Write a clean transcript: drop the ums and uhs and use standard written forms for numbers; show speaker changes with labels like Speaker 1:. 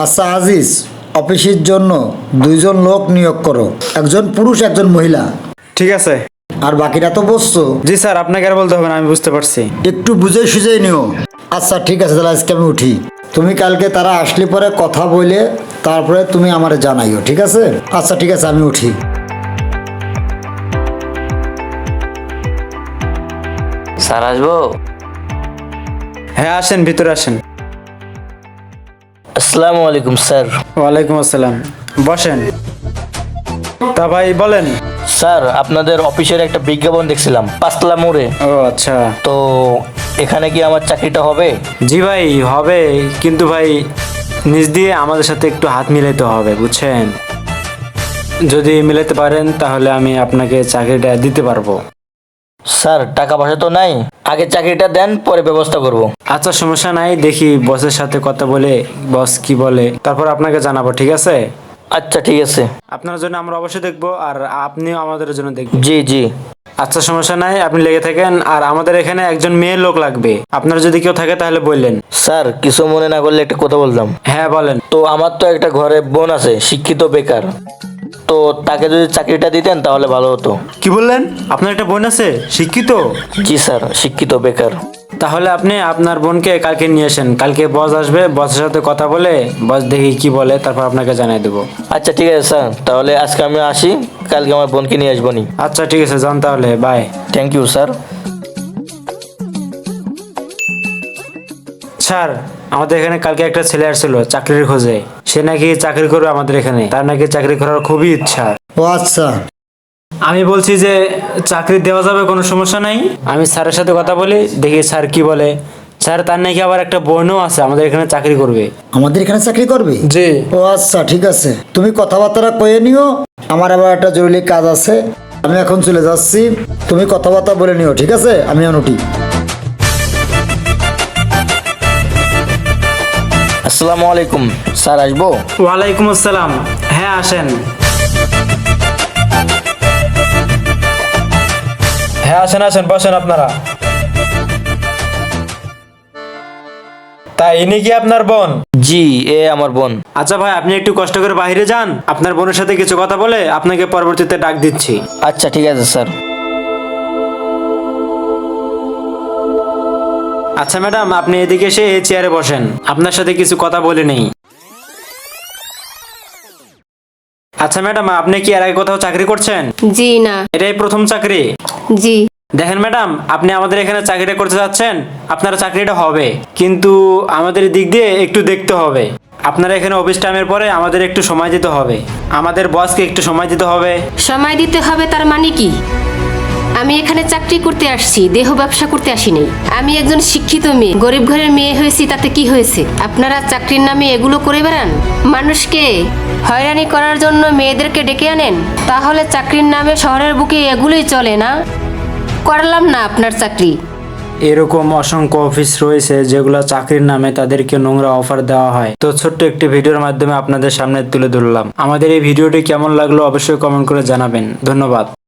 Speaker 1: আচ্ছা আজিজ, অফিসের জন্য দুইজন লোক নিয়োগ করো, একজন পুরুষ একজন মহিলা।
Speaker 2: ঠিক আছে।
Speaker 1: আর বাকিরা তো বসছো,
Speaker 2: জি স্যার, আপনাকে আর বলতে হবে না, আমি বুঝতে পারছি।
Speaker 1: একটু বুঝে সুঝে নিও। আচ্ছা ঠিক আছে, তাহলে আজকে আমি উঠি। তুমি কালকে তারা আসলে পরে কথা বলে তারপরে তুমি আমারে জানাইও, ঠিক আছে? আচ্ছা ঠিক আছে, আমি উঠি।
Speaker 3: স্যার আসবো?
Speaker 2: হ্যাঁ আসেন, ভিতরে আসেন।
Speaker 3: আসসালামু আলাইকুম স্যার।
Speaker 2: ওয়ালাইকুম আসসালাম, বসেন। তা ভাই বলেন।
Speaker 3: স্যার আপনাদের অফিসের একটা বিজ্ঞাপন দেখছিলাম পাঁচতলা মোড়ে,
Speaker 2: ও আচ্ছা।
Speaker 3: তো এখানে কি আমার চাকরিটা হবে?
Speaker 2: জি ভাই হবে, কিন্তু ভাই নিজ দিয়ে আমাদের সাথে একটু হাত মিলাইতে হবে, বুঝছেন? যদি মিলাতে পারেন তাহলে আমি আপনাকে চাকরিটা দিতে পারবো।
Speaker 3: স্যার টাকা পয়সা তো নাই, আগে চাকরিটা দেন পরে ব্যবস্থা করব।
Speaker 2: আচ্ছা সমস্যা নাই, দেখি বসের সাথে কথা বলে বস কি বলে তারপর আপনাকে জানাবো, ঠিক আছে?
Speaker 3: আচ্ছা ঠিক আছে।
Speaker 2: আপনার জন্য আমরা অবশ্যই দেখবো, আর আপনিও আমাদের জন্য দেখবেন।
Speaker 3: জি জি।
Speaker 2: আচ্ছা সমস্যা নাই, আপনি লেগে থাকেন। আর আমাদের এখানে একজন মেয়ে লোক লাগবে, আপনার যদি কেউ থাকে তাহলে বললেন।
Speaker 3: স্যার কিছু মনে না করলে একটা কথা বলতাম।
Speaker 2: হ্যাঁ বলেন।
Speaker 3: তো আমার তো একটা ঘরে বোন আছে, শিক্ষিত বেকার, তো তাকে যদি চাকরিটা দিতেন তাহলে ভালো হতো।
Speaker 2: কি বললেন? আপনার একটা বোন আছে শিক্ষিত?
Speaker 3: জি স্যার, শিক্ষিত বেকার।
Speaker 2: তাহলে আপনি আপনার বোনকে কালকে নিয়ে আসেন, কালকে বস আসবে, বসের সাথে কথা বলে বস দেখি কি বলে তারপর আপনাকে জানিয়ে দেবো।
Speaker 3: আচ্ছা ঠিক আছে স্যার, তাহলে আজকে আমি আসি, কালকে আমার বোনকে নিয়ে আসবো নি।
Speaker 2: আচ্ছা ঠিক আছে, যান তাহলে, bye.
Speaker 3: Thank you sir.
Speaker 2: Sir আমাদের এখানে কালকে একটা ছেলে আসছিল চাকরির খোঁজে, সে নাকি চাকরি করবে আমাদের এখানে, তার নাকি চাকরি করার খুবই ইচ্ছা।
Speaker 1: ও আচ্ছা,
Speaker 2: আমি বলছি যে চাকরি দেওয়া যাবে, কোনো সমস্যা নাই। আমি স্যারের সাথে কথা বলি, দেখি স্যার কি বলে। স্যার তার নাকি আবার একটা বোনও আছে আমাদের এখানে চাকরি করবে।
Speaker 1: আমাদের এখানে চাকরি করবে?
Speaker 2: জি।
Speaker 1: ও আচ্ছা ঠিক আছে, তুমি কথাবার্তা কয়ে নিও, আমার আবার একটা জরুরি কাজ আছে, আমি এখন চলে যাচ্ছি। তুমি কথাবার্তা বলে নিও, ঠিক আছে? আমি এখন উঠি।
Speaker 3: আসসালামু আলাইকুম স্যার, আসবো?
Speaker 2: ওয়ালাইকুম আসসালাম, হ্যাঁ আসেন। হ্যাঁ আসেন আসেন, বসেন আপনারা। তাই ইনি কি আপনার বোন?
Speaker 3: জি, এ আমার বোন।
Speaker 2: আচ্ছা ভাই, আপনি একটু কষ্ট করে বাইরে যান, আপনার বোনের সাথে কিছু কথা বলে আপনাকে পরবর্তীতে ডাক দিচ্ছি।
Speaker 3: আচ্ছা ঠিক আছে স্যার।
Speaker 2: আচ্ছা ম্যাডাম, আপনি এদিকে এসে এই চেয়ারে বসেন, আপনার সাথে কিছু কথা বলে নেই। আচ্ছা ম্যাডাম, আপনি কি এর আগে কোথাও চাকরি করছেন?
Speaker 4: জি না।
Speaker 2: এটাই প্রথম চাকরি?
Speaker 4: জি।
Speaker 2: দেখেন ম্যাডাম, আপনি আমাদের এখানে চাকরিটা করতে যাচ্ছেন, আপনার চাকরিটা হবে, কিন্তু আমাদের দিক দিয়ে একটু দেখতে হবে। আপনারা এখানে অফিস টাইমের পরে আমাদের একটু সময় দিতে হবে, আমাদের বসকে একটু সময় দিতে হবে।
Speaker 4: সময় দিতে হবে তার মানে কি? আমি এখানে চাকরি করতে আসছি, দেহ ব্যবসা করতে আসিনি। আমি একজন শিক্ষিত মেয়ে, গরিব ঘরের মেয়ে হয়েছি, তাতে কি হয়েছে? আপনারা চাকরির নামে এগুলো করে বেড়ান, মানুষকে হয়রানি করার জন্য মেয়েদেরকে ডেকে আনেন। তাহলে চাকরির নামে শহরের বুকে এগুলোই চলে না? করলাম না আপনার চাকরি।
Speaker 2: এরকম অসংখ্য অফিস রয়েছে যেগুলো চাকরির নামে তাদেরকে নোংরা অফার দেওয়া হয়। তো ছোট্ট একটি ভিডিওর মাধ্যমে আপনাদের সামনে তুলে ধরলাম। আমাদের এই ভিডিওটি কেমন লাগলো অবশ্যই কমেন্ট করে জানাবেন। ধন্যবাদ।